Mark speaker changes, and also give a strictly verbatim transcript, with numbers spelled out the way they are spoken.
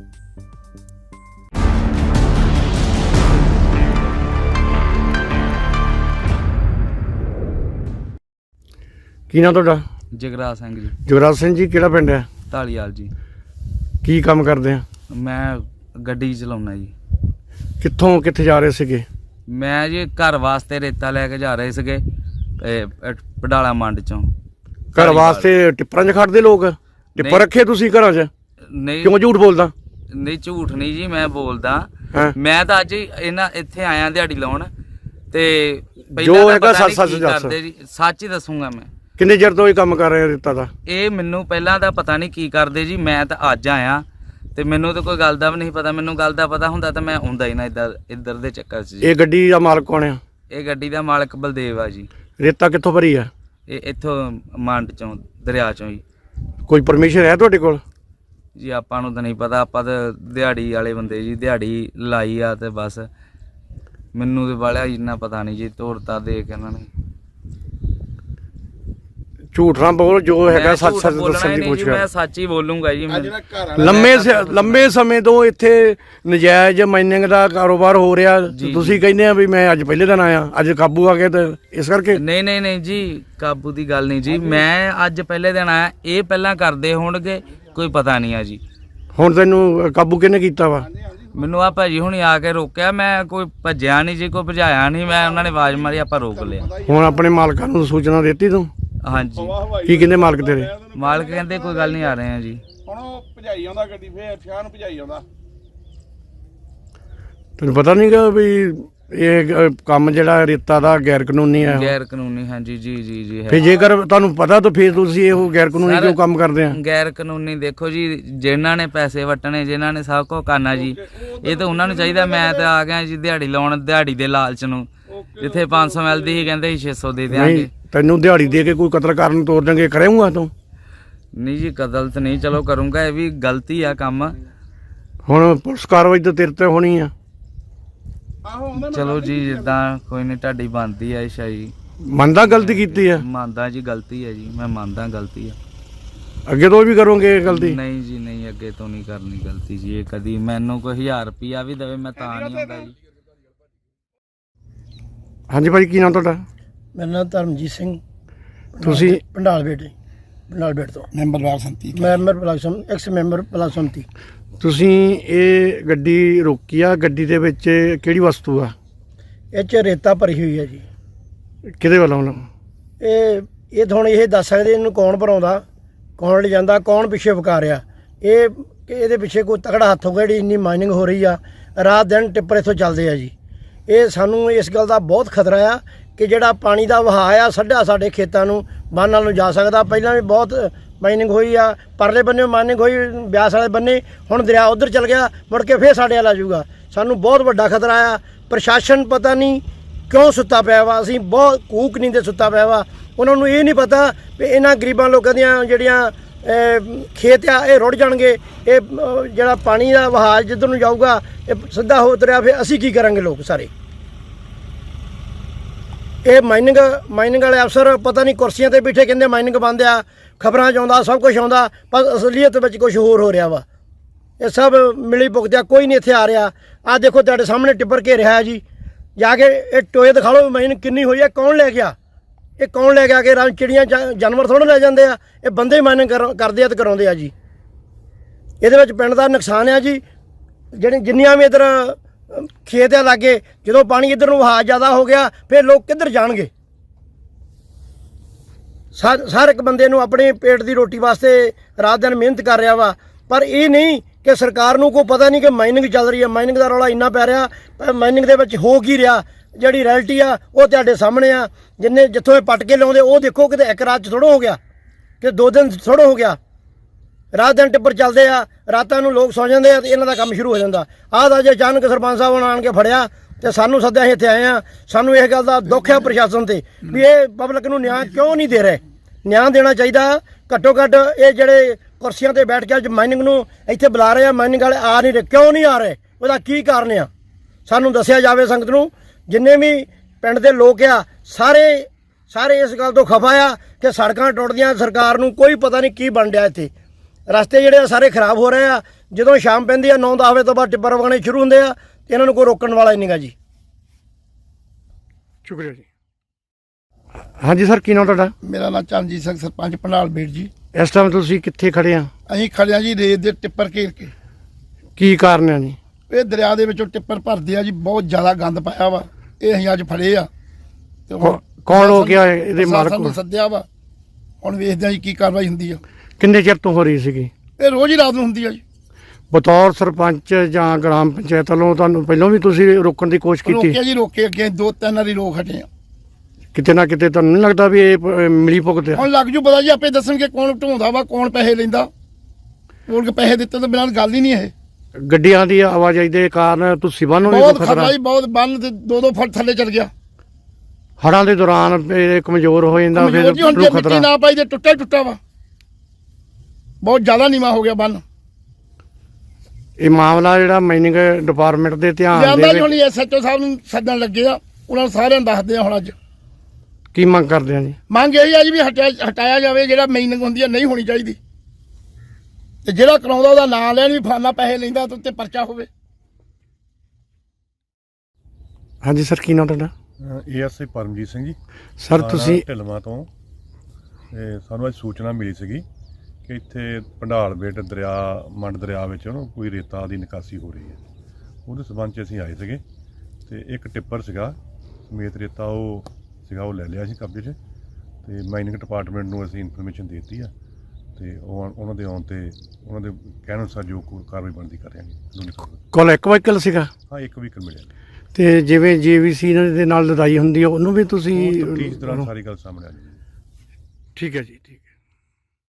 Speaker 1: ਕੀ ਨਾਂ ਤੁਹਾਡਾ?
Speaker 2: ਜਗਰਾਜ ਸਿੰਘ ਜੀ।
Speaker 1: ਜਗਰਾਜ ਸਿੰਘ ਜੀ, ਕਿਹੜਾ ਪਿੰਡ ਹੈ?
Speaker 2: ਢਾਲੀਵਾਲ ਜੀ।
Speaker 1: ਕੀ ਕੰਮ ਕਰਦੇ ਆ?
Speaker 2: ਮੈਂ ਗੱਡੀ ਚਲਾਉਣਾ ਜੀ।
Speaker 1: ਕਿੱਥੋਂ ਕਿੱਥੇ ਜਾ ਰਹੇ ਸੀਗੇ?
Speaker 2: ਮੈਂ ਜੀ ਘਰ ਵਾਸਤੇ ਰੇਤਾ ਲੈ ਕੇ ਜਾ ਰਹੇ ਸੀਗੇ ਪਡਾਲਾ ਮੰਡ ਚੋਂ।
Speaker 1: ਘਰ ਵਾਸਤੇ ਟਿੱਪਰਾਂ 'ਚ ਖੜਦੇ ਲੋਕ? ਟਿੱਪਰ ਰੱਖੇ ਤੁਸੀਂ ਘਰਾਂ 'ਚ?
Speaker 2: ਨਹੀਂ।
Speaker 1: ਕਿਉਂ ਝੂਠ ਬੋਲਦਾ?
Speaker 2: ਨਹੀਂ ਝੂਠ ਨਹੀਂ ਜੀ, ਮੈਂ ਬੋਲਦਾ। ਮੈਂ ਤਾਂ ਅੱਜ ਇਹਨਾਂ ਇੱਥੇ ਆਇਆ ਦਿਹਾੜੀ ਲਾਉਣ ਤੇ
Speaker 1: ਜੋ ਹੈਗਾ ਸੱਚ ਸੱਚ ਦੱਸ।
Speaker 2: ਸੱਚ ਹੀ ਦੱਸੂਗਾ ਮੈਂ।
Speaker 1: ਕਿੰਨੇ ਚਿਰ ਤੋਂ ਇਹ ਕੰਮ ਕਰ ਰਹੇ ਰੇਤਾ ਦਾ?
Speaker 2: ਇਹ ਮੈਨੂੰ ਪਹਿਲਾਂ ਤਾਂ ਪਤਾ ਨਹੀਂ ਕੀ ਕਰਦੇ ਜੀ, ਮੈਂ ਤਾਂ ਅੱਜ ਆਇਆ ਤੇ ਮੈਨੂੰ ਤਾਂ ਕੋਈ ਗੱਲ ਦਾ ਵੀ ਨਹੀਂ ਪਤਾ। ਮੈਨੂੰ ਗੱਲ ਦਾ ਪਤਾ ਹੁੰਦਾ ਤਾਂ ਮੈਂ ਆਉਂਦਾ ਹੀ ਨਾ ਇੱਧਰ ਇੱਧਰ ਦੇ ਚੱਕਰ 'ਚ।
Speaker 1: ਇਹ ਗੱਡੀ ਦਾ ਮਾਲਕ ਕੌਣ ਆ?
Speaker 2: ਇਹ ਗੱਡੀ ਦਾ ਮਾਲਕ ਬਲਦੇਵ ਆ ਜੀ।
Speaker 1: ਰੇਤਾ ਕਿੱਥੋਂ ਭਰੀ ਆ?
Speaker 2: ਇਹ ਇੱਥੋਂ ਮੰਡ ਚੋਂ, ਦਰਿਆ ਚੋਂ ਜੀ।
Speaker 1: ਕੋਈ ਪਰਮਿਸ਼ਨ ਹੈ ਤੁਹਾਡੇ ਕੋਲ?
Speaker 2: ਜੀ ਆਪਾਂ ਨੂੰ ਤਾਂ ਨਹੀਂ ਪਤਾ, ਆਪਾਂ ਤਾਂ ਦਿਹਾੜੀ ਵਾਲੇ ਬੰਦੇ ਜੀ, ਦਿਹਾੜੀ ਲਾਈ ਆ ਤੇ ਬਸ। ਮੈਨੂੰ ਤੇ ਵਾਲਿਆ ਇੰਨਾ ਪਤਾ ਨਹੀਂ ਜੀ, ਤੋਰਤਾ ਦੇ ਕੇ ਇਹਨਾਂ ਨੇ।
Speaker 1: ਝੂਠ ਨਾ ਬੋਲ, ਜੋ ਹੈਗਾ ਸੱਚ ਸੱਚ ਦੱਸਣ ਦੀ ਕੋਸ਼ਿਸ਼ ਕਰ।
Speaker 2: ਮੈਂ ਸੱਚ ਹੀ ਬੋਲੂੰਗਾ ਜੀ।
Speaker 1: ਲੰਮੇ ਲੰਮੇ ਸਮੇਂ ਤੋਂ ਇੱਥੇ ਨਜਾਇਜ਼ ਮਾਈਨਿੰਗ ਦਾ ਕਾਰੋਬਾਰ ਹੋ ਰਿਹਾ, ਤੁਸੀਂ ਕਹਿੰਦੇ ਆ ਵੀ ਮੈਂ ਅੱਜ ਪਹਿਲੇ ਦਿਨ ਆਇਆ, ਅੱਜ ਕਾਬੂ ਆ ਗਿਆ ਤੇ ਇਸ ਕਰਕੇ?
Speaker 2: ਨਹੀਂ ਨਹੀਂ ਨਹੀਂ ਜੀ, ਕਾਬੂ ਦੀ ਗੱਲ ਨਹੀਂ ਜੀ। ਮੈਂ ਅੱਜ ਪਹਿਲੇ ਦਿਨ ਆਇਆ, ਇਹ ਪਹਿਲਾਂ ਕਰਦੇ ਹੋਣਗੇ, ਕੋਈ ਪਤਾ ਨਹੀਂ ਆ ਜੀ।
Speaker 1: ਹੁਣ ਤੈਨੂੰ ਕਾਬੂ ਕਿਹਨੇ ਕੀਤਾ ਵਾ?
Speaker 2: ਮੈਨੂੰ ਆ ਭਾਜੀ ਹੁਣੀ ਆ ਕੇ ਰੋਕਿਆ, ਮੈਂ ਕੋਈ ਭੱਜਿਆ ਨਹੀਂ ਜੀ, ਕੋਈ ਭਜਾਇਆ ਨਹੀਂ। ਮੈਂ ਉਹਨਾਂ ਨੇ ਆਵਾਜ਼ ਮਾਰੀ, ਆਪਾਂ ਰੋਕ ਲਿਆ।
Speaker 1: ਹੁਣ ਆਪਣੇ ਮਾਲਕਾਂ ਨੂੰ ਸੂਚਨਾ ਦਿੱਤੀ ਤੂੰ?
Speaker 2: ਹਾਂਜੀ।
Speaker 1: ਕੀ ਕਹਿੰਦੇ ਮਾਲਕ ਤੇਰੇ?
Speaker 2: ਮਾਲਕ ਕਹਿੰਦੇ ਕੋਈ ਗੱਲ ਨਹੀਂ, ਆ ਰਹੇ ਆ ਜੀ।
Speaker 3: ਹੁਣ ਉਹ ਭਜਾਈ ਆਉਂਦਾ ਗੱਡੀ, ਫੇਰ ਫਿਆ ਨੂੰ ਭਜਾਈ ਆਉਂਦਾ।
Speaker 1: ਤੈਨੂੰ ਪਤਾ ਨਹੀਂਗਾ ਵੀ ਇਹ ਕੰਮ ਜਿਹੜਾ ਰੇਤਾ ਦਾ ਗੈਰ ਕਾਨੂੰਨੀ ਹੈ?
Speaker 2: ਗੈਰ ਕਾਨੂੰਨੀ, ਹਾਂਜੀ ਜੀ ਜੀ ਜੀ।
Speaker 1: ਫਿਰ ਜੇਕਰ ਤੁਹਾਨੂੰ ਪਤਾ ਤਾਂ ਫਿਰ ਤੁਸੀਂ ਇਹੋ ਗੈਰ ਕਾਨੂੰਨੀ ਕਿਉਂ ਕੰਮ ਕਰਦੇ ਆ?
Speaker 2: ਗੈਰ ਕਾਨੂੰਨੀ ਦੇਖੋ ਜੀ, ਜਿਨ੍ਹਾਂ ਨੇ ਪੈਸੇ ਵਟਣੇ, ਜਿਨ੍ਹਾਂ ਨੇ ਸਭ ਕੁਝ ਕਰਨਾ ਜੀ, ਇਹ ਤਾਂ ਉਹਨਾਂ ਨੂੰ ਚਾਹੀਦਾ। ਮੈਂ ਤਾਂ ਆ ਗਿਆ ਜੀ ਦਿਹਾੜੀ ਲਾਉਣ, ਦਿਹਾੜੀ ਦੇ ਲਾਲਚ ਨੂੰ। ਜਿੱਥੇ ਪੰਜ ਸੌ ਮਿਲਦੀ ਸੀ ਕਹਿੰਦੇ ਸੀ ਛੇ ਸੌ ਦੇ ਦਿਆਂਗੇ।
Speaker 1: ਤੈਨੂੰ ਦਿਹਾੜੀ ਦੇ ਕੇ ਕੋਈ ਕਤਲ ਕਰਨ ਤੋਰ ਦੇਂਗੇ, ਕਰੇਂਗਾ ਤੂੰ?
Speaker 2: ਨਹੀਂ ਜੀ, ਕਤਲ ਤਾਂ ਨਹੀਂ, ਚਲੋ ਕਰੂੰਗਾ, ਇਹ ਵੀ ਗਲਤੀ ਆ ਕੰਮ।
Speaker 1: ਹੁਣ ਪੁਲਿਸ ਕਾਰਵਾਈ ਤਾਂ ਤੇਰੇ ਤੇ ਹੋਣੀ ਆ।
Speaker 2: ਚਲੋ ਜੀ, ਜਿੱਦਾਂ ਕੋਈ ਨਹੀਂ, ਤੁਹਾਡੀ ਬਣਦੀ ਆ ਇਸ਼ਾ ਜੀ।
Speaker 1: ਮੰਨਦਾ ਗਲਤੀ ਕੀਤੀ ਆ?
Speaker 2: ਮੰਨਦਾ ਜੀ, ਗਲਤੀ ਹੈ ਜੀ, ਮੈਂ ਮੰਨਦਾ ਗਲਤੀ ਆ।
Speaker 1: ਅੱਗੇ ਤੋਂ ਵੀ ਕਰੋਗੇ ਗਲਤੀ?
Speaker 2: ਨਹੀਂ ਜੀ ਨਹੀਂ, ਅੱਗੇ ਤੋਂ ਨਹੀਂ ਕਰਨੀ ਗਲਤੀ ਜੀ। ਇਹ ਕਦੀ ਮੈਨੂੰ ਕੋਈ ਹਜ਼ਾਰ ਰੁਪਈਆ ਵੀ ਦੇਵੇ ਮੈਂ ਤਾਂ ਨਹੀਂ ਹੁੰਦਾ ਜੀ।
Speaker 1: ਹਾਂਜੀ ਭਾਈ, ਕੀ ਨਾਮ ਤੁਹਾਡਾ?
Speaker 4: ਮੇਰਾ ਨਾਮ ਧਰਮਜੀਤ ਸਿੰਘ।
Speaker 1: ਤੁਸੀਂ?
Speaker 4: ਪੰਡਾਲ ਬੇਟੇ, ਪੰਡਾਲ ਬੇਟ ਤੋਂ
Speaker 3: member block samiti,
Speaker 4: member block samiti, ex member block samiti.
Speaker 1: ਤੁਸੀਂ ਇਹ ਗੱਡੀ ਰੋਕੀ ਆ, ਗੱਡੀ ਦੇ ਵਿੱਚ ਕਿਹੜੀ ਵਸਤੂ ਆ?
Speaker 4: ਇਹ 'ਚ ਰੇਤਾ ਭਰੀ ਹੋਈ ਹੈ ਜੀ।
Speaker 1: ਕਿਹਦੇ ਵੱਲੋਂ?
Speaker 4: ਇਹ ਇਹ ਤਾਂ ਹੁਣ ਇਹ ਦੱਸ ਸਕਦੇ ਇਹਨੂੰ ਕੌਣ ਭਰਾਉਂਦਾ, ਕੌਣ ਲਿਜਾਂਦਾ, ਕੌਣ ਪਿੱਛੇ ਵਕਾ ਰਿਹਾ। ਇਹ ਇਹਦੇ ਪਿੱਛੇ ਕੋਈ ਤਕੜਾ ਹੱਥ ਹੋਊਗਾ ਜਿਹੜੀ ਇੰਨੀ ਮਾਈਨਿੰਗ ਹੋ ਰਹੀ ਆ, ਰਾਤ ਦਿਨ ਟਿੱਪਰ ਇੱਥੋਂ ਚੱਲਦੇ ਆ ਜੀ। ਇਹ ਸਾਨੂੰ ਇਸ ਗੱਲ ਦਾ ਬਹੁਤ ਖਤਰਾ ਆ ਕਿ ਜਿਹੜਾ ਪਾਣੀ ਦਾ ਵਹਾਅ ਆ ਸੱਡਾ ਸਾਡੇ ਖੇਤਾਂ ਨੂੰ ਬੰਨ੍ਹ ਨੂੰ ਜਾ ਸਕਦਾ। ਪਹਿਲਾਂ ਵੀ ਬਹੁਤ ਮਾਈਨਿੰਗ ਹੋਈ ਆ, ਪਰਲੇ ਬੰਨੇ ਮਾਈਨਿੰਗ ਹੋਈ ਬਿਆਸ ਵਾਲੇ ਬੰਨੇ, ਹੁਣ ਦਰਿਆ ਉੱਧਰ ਚਲ ਗਿਆ, ਮੁੜ ਕੇ ਫੇਰ ਸਾਡੇ ਵੱਲ ਆ ਜਾਊਗਾ। ਸਾਨੂੰ ਬਹੁਤ ਵੱਡਾ ਖਤਰਾ ਆ। ਪ੍ਰਸ਼ਾਸਨ ਪਤਾ ਨਹੀਂ ਕਿਉਂ ਸੁੱਤਾ ਪਿਆ ਵਾ, ਅਸੀਂ ਬਹੁਤ ਕੂਕ ਨਹੀਂ ਦੇ ਸੁੱਤਾ ਪਿਆ ਵਾ। ਉਹਨਾਂ ਨੂੰ ਇਹ ਨਹੀਂ ਪਤਾ ਵੀ ਇਹਨਾਂ ਗਰੀਬਾਂ ਲੋਕਾਂ ਦੀਆਂ ਜਿਹੜੀਆਂ ਖੇਤ ਆ ਇਹ ਰੁੜ ਜਾਣਗੇ। ਇਹ ਜਿਹੜਾ ਪਾਣੀ ਦਾ ਵਹਾਅ ਜਿੱਧਰ ਨੂੰ ਜਾਊਗਾ ਇਹ ਸਿੱਧਾ ਹੋ ਉਤਰਿਆ, ਫਿਰ ਅਸੀਂ ਕੀ ਕਰਾਂਗੇ ਲੋਕ ਸਾਰੇ? ਇਹ ਮਾਈਨਿੰਗ ਮਾਈਨਿੰਗ ਵਾਲੇ ਅਫਸਰ ਪਤਾ ਨਹੀਂ ਕੁਰਸੀਆਂ 'ਤੇ ਬੈਠੇ ਕਹਿੰਦੇ ਮਾਈਨਿੰਗ ਬੰਦ ਆ, ਖਬਰਾਂ 'ਚ ਆਉਂਦਾ, ਸਭ ਕੁਝ ਆਉਂਦਾ, ਪਰ ਅਸਲੀਅਤ ਵਿੱਚ ਕੁਝ ਹੋਰ ਹੋ ਰਿਹਾ ਵਾ। ਇਹ ਸਭ ਮਿਲੀ ਭੁਗਤਿਆ, ਕੋਈ ਨਹੀਂ ਇੱਥੇ ਆ ਰਿਹਾ। ਆਹ ਦੇਖੋ ਤੁਹਾਡੇ ਸਾਹਮਣੇ ਟਿੱਪਰ ਘੇਰਿਆ ਜੀ, ਜਾ ਕੇ ਇਹ ਟੋਏ ਦਿਖਾ ਲਓ ਮਾਈਨਿੰਗ ਕਿੰਨੀ ਹੋਈ ਹੈ, ਕੌਣ ਲੈ ਗਿਆ? ਇਹ ਕੌਣ ਲੈ ਗਿਆ? ਕਿ ਰੰਗ ਚਿੜੀਆਂ ਜਾਨਵਰ ਥੋੜ੍ਹਾ ਲੈ ਜਾਂਦੇ ਆ, ਇਹ ਬੰਦੇ ਮਾਈਨਿੰਗ ਕਰਦੇ ਆ ਤੇ ਕਰਾਉਂਦੇ ਆ ਜੀ। ਇਹਦੇ ਵਿੱਚ ਪਿੰਡ ਦਾ ਨੁਕਸਾਨ ਆ ਜੀ। ਜਿਹੜੇ ਜਿੰਨੀਆਂ ਵੀ ਇੱਧਰ ਖੇਤ ਆ ਲਾਗੇ, ਜਦੋਂ ਪਾਣੀ ਇੱਧਰ ਨੂੰ ਵਹਾਅ ਜ਼ਿਆਦਾ ਹੋ ਗਿਆ ਫਿਰ ਲੋਕ ਕਿੱਧਰ ਜਾਣਗੇ? ਸਰ ਹਰ ਇੱਕ ਬੰਦੇ ਨੂੰ ਆਪਣੇ ਪੇਟ ਦੀ ਰੋਟੀ ਵਾਸਤੇ ਰਾਤ ਦਿਨ ਮਿਹਨਤ ਕਰ ਰਿਹਾ ਵਾ, ਪਰ ਇਹ ਨਹੀਂ ਕਿ ਸਰਕਾਰ ਨੂੰ ਕੋਈ ਪਤਾ ਨਹੀਂ ਕਿ ਮਾਈਨਿੰਗ ਚੱਲ ਰਹੀ ਹੈ। ਮਾਈਨਿੰਗ ਦਾ ਰੌਲਾ ਇੰਨਾ ਪੈ ਰਿਹਾ, ਪਰ ਮਾਈਨਿੰਗ ਦੇ ਵਿੱਚ ਹੋ ਕੀ ਰਿਹਾ, ਜਿਹੜੀ ਰੈਲਿਟੀ ਆ ਉਹ ਤੁਹਾਡੇ ਸਾਹਮਣੇ ਆ। ਜਿੰਨੇ ਜਿੱਥੋਂ ਇਹ ਪੱਟ ਕੇ ਲਾਉਂਦੇ ਉਹ ਦੇਖੋ, ਕਿਤੇ ਇੱਕ ਰਾਤ 'ਚ ਥੋੜ੍ਹਾ ਹੋ ਗਿਆ, ਕਿ ਦੋ ਦਿਨ ਥੋੜ੍ਹਾ ਹੋ ਗਿਆ। ਰਾਤ ਦਿਨ ਟਿੱਪਰ ਚੱਲਦੇ ਆ, ਰਾਤਾਂ ਨੂੰ ਲੋਕ ਸੌ ਜਾਂਦੇ ਆ ਤੇ ਇਹਨਾਂ ਦਾ ਕੰਮ ਸ਼ੁਰੂ ਹੋ ਜਾਂਦਾ। ਆਹ ਤਾਂ ਜੇ ਅਚਾਨਕ ਸਰਪੰਚ ਸਾਹਿਬ ਨੇ ਆਣ ਕੇ ਫੜਿਆ ਤੇ ਸਾਨੂੰ ਸੱਦਿਆ, ਅਸੀਂ ਇੱਥੇ ਆਏ ਆ। ਸਾਨੂੰ ਇਸ ਗੱਲ ਦਾ ਦੁੱਖ ਹੈ ਪ੍ਰਸ਼ਾਸਨ ਤੇ ਵੀ ਇਹ ਪਬਲਿਕ ਨੂੰ ਨਿਆਂ ਕਿਉਂ ਨਹੀਂ ਦੇ ਰਹੇ। ਨਿਆਂ ਦੇਣਾ ਚਾਹੀਦਾ। ਘੱਟੋ ਘੱਟ ਇਹ ਜਿਹੜੇ ਕੁਰਸੀਆਂ 'ਤੇ ਬੈਠ ਕੇ ਅੱਜ ਮਾਈਨਿੰਗ ਨੂੰ ਇੱਥੇ ਬੁਲਾ ਰਹੇ ਆ, ਮਾਈਨਿੰਗ ਵਾਲੇ ਆ ਨਹੀਂ ਰਹੇ, ਕਿਉਂ ਨਹੀਂ ਆ ਰਹੇ? ਉਹਦਾ ਕੀ ਕਾਰਨ ਆ? ਸਾਨੂੰ ਦੱਸਿਆ ਜਾਵੇ ਸੰਗਤ ਨੂੰ। ਜਿੰਨੇ ਵੀ ਪਿੰਡ ਦੇ ਲੋਕ ਆ ਸਾਰੇ ਸਾਰੇ ਇਸ ਗੱਲ ਤੋਂ ਖਫਾ ਆ ਕਿ ਸੜਕਾਂ ਟੁੱਟਦੀਆਂ, ਸਰਕਾਰ ਨੂੰ ਕੋਈ ਪਤਾ ਨਹੀਂ ਕੀ ਬਣ ਰਿਹਾ ਇੱਥੇ। ਰਸਤੇ ਜਿਹੜੇ ਆ ਸਾਰੇ ਖਰਾਬ ਹੋ ਰਹੇ ਆ। ਜਦੋਂ ਸ਼ਾਮ ਪੈਂਦੀ ਆ ਨੌ ਦਸ ਵਜੇ ਤੋਂ ਬਾਅਦ ਟਿੱਪਰ ਵਗਣੇ ਸ਼ੁਰੂ ਹੁੰਦੇ ਆ ਤੇ ਇਹਨਾਂ ਨੂੰ ਕੋਈ ਰੋਕਣ ਵਾਲਾ ਹੀ ਨਹੀਂਗਾ ਜੀ।
Speaker 1: ਸ਼ੁਕਰੀਆ ਜੀ। ਹਾਂਜੀ ਸਰ, ਕੀ ਨਾਮ ਤੁਹਾਡਾ?
Speaker 5: ਮੇਰਾ ਨਾਮ ਚਰਨਜੀਤ ਸਿੰਘ, ਸਰਪੰਚ ਪੰਡਾਲ ਬੇੜ ਜੀ।
Speaker 1: ਇਸ ਟਾਈਮ ਤੁਸੀਂ ਕਿੱਥੇ ਖੜੇ ਆ?
Speaker 5: ਅਸੀਂ ਖੜਿਆ ਜੀ ਰੇਤ ਦੇ ਟਿੱਪਰ ਘੇਰ ਕੇ।
Speaker 1: ਕੀ ਕਾਰਨ ਹੈ ਜੀ?
Speaker 5: ਇਹ ਦਰਿਆ ਦੇ ਵਿੱਚੋਂ ਟਿੱਪਰ ਭਰਦੇ ਆ ਜੀ, ਬਹੁਤ ਜ਼ਿਆਦਾ ਗੰਦ ਪਾਇਆ ਵਾ। ਇਹ ਅਸੀਂ ਅੱਜ ਫੜੇ ਆ ਤੇ ਹੁਣ
Speaker 1: ਕੌਣ ਹੋ ਗਿਆ ਇਹਦੇ ਮਾਲਕ?
Speaker 5: ਪ੍ਰਸ਼ਾਸਨ ਨੂੰ ਸੱਦਿਆ ਵਾ, ਹੁਣ ਵੇਖਦੇ ਆ ਜੀ ਕੀ ਕਾਰਵਾਈ ਹੁੰਦੀ ਆ।
Speaker 1: ਕਿੰਨੇ ਚਿਰ ਤੋਂ ਹੋ ਰਹੀ ਸੀਗੀ?
Speaker 5: ਇਹ ਰੋਜ਼ ਹੀ ਰਾਤ ਨੂੰ ਹੁੰਦੀ ਆ ਜੀ।
Speaker 1: ਬਤੌਰ ਸਰਪੰਚ ਜਾਂ ਗ੍ਰਾਮ ਪੰਚਾਇਤ ਵੱਲੋਂ ਤੁਹਾਨੂੰ ਪਹਿਲਾਂ ਵੀ ਤੁਸੀਂ ਰੋਕਣ ਦੀ ਕੋਸ਼ਿਸ਼ ਕੀਤੀ?
Speaker 5: ਰੋਕਿਆ ਜੀ, ਰੋਕੇ ਅੱਗੇ ਦੋ ਤਿੰਨ ਵਾਰੀ ਰੋਕ ਹਟੇ ਆ।
Speaker 1: ਕਿਤੇ ਨਾ ਕਿਤੇ ਤੁਹਾਨੂੰ ਨਹੀਂ ਲੱਗਦਾ ਵੀ ਇਹ ਪ- ਮਿਲੀ ਭੁਗਤ ਹੈ?
Speaker 5: ਹੁਣ ਲੱਗ ਜੂ ਪਤਾ ਜੀ, ਆਪੇ ਦੱਸਣਗੇ ਕੌਣ ਢੋਂਦਾ ਵਾ, ਕੌਣ ਪੈਸੇ ਲੈਂਦਾ। ਕੋਲ ਕੇ ਪੈਸੇ ਦਿੱਤੇ ਤੋਂ ਬਿਨਾਂ ਗੱਲ ਹੀ ਨਹੀਂ ਇਹ।
Speaker 1: ਗੱਡੀਆਂ ਦੀ ਆਵਾਜਾਈ ਦੇ ਕਾਰਨ ਤੁਸੀਂ ਬੰਨ੍ਹ ਨੂੰ ਵੀ
Speaker 5: ਬਹੁਤ
Speaker 1: ਕੋਈ
Speaker 5: ਖਤਰਾ
Speaker 1: ਖਤਰਾ?
Speaker 5: ਜੀ, ਬਹੁਤ ਬੰਨ ਤੇ ਦੋ ਦੋ ਫੁੱਟ ਥੱਲੇ ਚਲ ਗਿਆ।
Speaker 1: ਹੜ੍ਹਾਂ ਦੇ ਦੌਰਾਨ ਇਹ ਕਮਜ਼ੋਰ ਹੋ ਜਾਂਦਾ ਫਿਰ
Speaker 5: ਕਮਜ਼ੋਰ ਜੀ, ਹੁਣ ਜੇ
Speaker 1: ਨੂੰ
Speaker 5: ਮਿੱਟੀ
Speaker 1: ਖਤਰਾ।
Speaker 5: ਨਾ ਪਾਈ ਤੇ ਟੁੱਟਾ ਹੀ ਟੁੱਟਾ ਵਾ, ਬਹੁਤ ਜ਼ਿਆਦਾ ਨੀਵਾਂ ਹੋ ਗਿਆ ਬੰਨ।
Speaker 1: ਇਹ ਮਾਮਲਾ ਜਿਹੜਾ ਮਾਈਨਿੰਗ ਡਿਪਾਰਟਮੈਂਟ ਦੇ ਧਿਆਨ
Speaker 5: ਜਾਂਦਾ
Speaker 1: ਦੇ
Speaker 5: ਜੀ, ਹੁਣ
Speaker 1: ਵਿੱਚ
Speaker 5: ਐਸਐਚਓ ਸਾਹਿਬ ਨੂੰ ਸੱਦਣ ਲੱਗੇ ਆ, ਉਹਨਾਂ ਨੂੰ ਸਾਰਿਆਂ ਨੂੰ ਦੱਸਦੇ ਆ ਹੁਣ ਅੱਜ।
Speaker 1: ਕੀ ਮੰਗ ਕਰਦੇ ਆ ਜੀ?
Speaker 5: ਮੰਗ ਇਹ ਆ ਜੀ ਵੀ ਹਟਾਇਆ ਹਟਾਇਆ ਜਾਵੇ, ਜਿਹੜਾ ਮਾਈਨਿੰਗ ਹੁੰਦੀ ਆ ਨਹੀਂ ਹੋਣੀ ਚਾਹੀਦੀ, ਤੇ ਜਿਹੜਾ ਕਰਾਉਂਦਾ ਉਹਦਾ ਨਾਂ ਲੈਣ ਵੀ ਫਾਨਾ ਪੈਸੇ ਲੈਂਦਾ ਤੇ ਉੱਤੇ ਪਰਚਾ ਹੋਵੇ।
Speaker 1: ਹਾਂਜੀ ਸਰ, ਕੀ ਨਾਮ ਤੁਹਾਡਾ?
Speaker 6: ਏਐਸਆਈ ਪਰਮਜੀਤ ਸਿੰਘ ਜੀ।
Speaker 1: ਸਰ
Speaker 6: ਥਾਣਾ
Speaker 1: ਤੁਸੀਂ
Speaker 6: ਢਿਲਵਾਂ ਤੋਂ ਇਹ ਸਾਨੂੰ ਅੱਜ ਸੂਚਨਾ ਮਿਲੀ ਸੀਗੀ ਕਿ ਇੱਥੇ ਪੰਡਾਲ ਬੇਟ ਦਰਿਆ ਮੰਡ ਦਰਿਆ ਵਿੱਚ ਉਹਨੂੰ ਕੋਈ ਰੇਤਾ ਦੀ ਨਿਕਾਸੀ ਹੋ ਰਹੀ ਹੈ। ਉਹਦੇ ਸਬੰਧ 'ਚ ਅਸੀਂ ਆਏ ਸੀਗੇ ਤੇ ਇੱਕ ਟਿੱਪਰ ਸੀਗਾ ਸਮੇਤ ਰੇਤਾ ਉਹ ਸੀਗਾ, ਉਹ ਲੈ ਲਿਆ ਸੀ ਕਬਜ਼ੇ 'ਚ ਤੇ ਮਾਈਨਿੰਗ ਡਿਪਾਰਟਮੈਂਟ ਨੂੰ ਅਸੀਂ ਇਨਫੋਰਮੇਸ਼ਨ ਦੇ ਦਿੱਤੀ ਆ ਤੇ ਉਹ ਉਹਨਾਂ ਦੇ ਆਉਣ ਤੇ ਉਹਨਾਂ ਦੇ ਕਹਿਣ ਅਨੁਸਾਰ ਜੋ ਕੋਈ ਕਾਰਵਾਈ ਬਣਦੀ ਕਰ ਰਹੇ ਹਾਂ।
Speaker 1: ਕੋਲ ਇੱਕ ਵਹੀਕਲ ਸੀਗਾ
Speaker 6: ਹਾਂ, ਇੱਕ ਵਹੀਕਲ ਮਿਲਿਆ।
Speaker 1: ਤੇ ਜਿਵੇਂ ਜੀਵੀਸੀ ਦੇ ਨਾਲ ਲੜਾਈ ਹੁੰਦੀ ਹੈ ਉਹਨੂੰ ਵੀ ਤੁਸੀਂ
Speaker 6: ਉਹ ਤਫਤੀਸ਼ ਦੌਰਾਨ ਸਾਰੀ ਗੱਲ ਸਾਹਮਣੇ ਆ ਜਾਊਗੀ।
Speaker 1: ਠੀਕ ਹੈ ਜੀ, ਠੀਕ।